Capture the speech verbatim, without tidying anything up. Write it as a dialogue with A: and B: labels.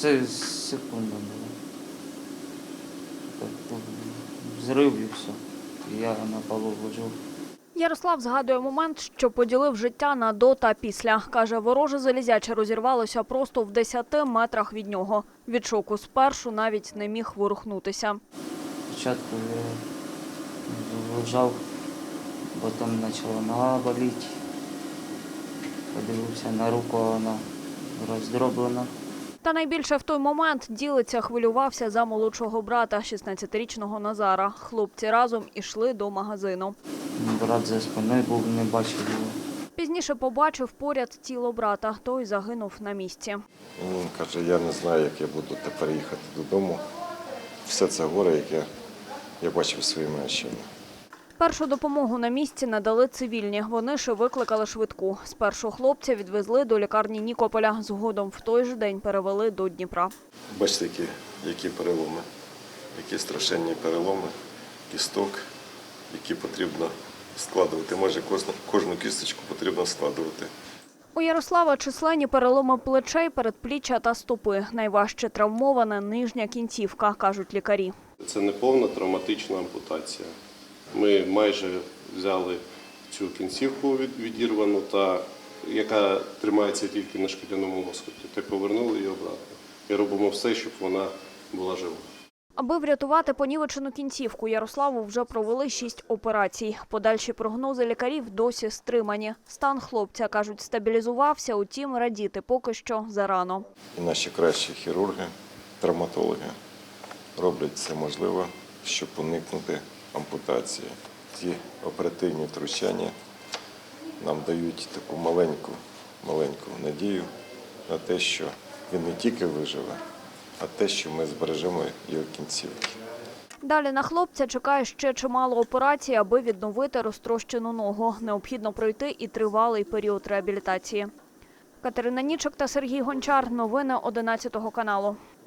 A: Це секунда була. Так, взрив і все. Я на полу лежав.
B: Ярослав згадує момент, що поділив життя на до та після. Каже, вороже залізяче розірвалося просто в десяти метрах від нього. Від шоку спершу навіть не міг ворухнутися.
A: Спочатку я лежав, потім почала нога боліти. Подивився на руку, вона роздроблена.
B: Та найбільше в той момент ділиця хвилювався за молодшого брата, шістнадцятирічного Назара. Хлопці разом ішли до магазину.
A: Брат за спиною був, не бачив його.
B: Пізніше побачив поряд тіло брата. Той загинув на місці.
C: Він каже, я не знаю, як я буду тепер їхати додому. Все це горе, яке я бачив своїми очима.
B: Першу допомогу на місці надали цивільні. Вони ж викликали швидку. Спершу хлопця відвезли до лікарні Нікополя. Згодом в той же день перевели до Дніпра.
C: Бачите, які, які переломи, які страшенні переломи, кісток, які потрібно складувати. Майже кожну, кожну кісточку потрібно складувати.
B: У Ярослава численні переломи плечей, передпліччя та стопи. Найважче травмована нижня кінцівка, кажуть лікарі.
D: Це не повна травматична ампутація. Ми майже взяли цю кінцівку відірвану, та, яка тримається тільки на шкіряному лоскуті, та повернули її обратно. І робимо все, щоб вона була жива.
B: Аби врятувати понівечену кінцівку, Ярославу вже провели шість операцій. Подальші прогнози лікарів досі стримані. Стан хлопця, кажуть, стабілізувався, утім радіти поки що зарано.
C: І наші кращі хірурги, травматологи роблять все можливе, щоб уникнути ампутації. Ці оперативні втручання нам дають таку маленьку, маленьку надію на те, що він не тільки виживе, а те, що ми збережемо його кінцівки.
B: Далі на хлопця чекає ще чимало операцій, аби відновити розтрощену ногу. Необхідно пройти і тривалий період реабілітації. Катерина Нічок та Сергій Гончар. Новини одинадцятого каналу.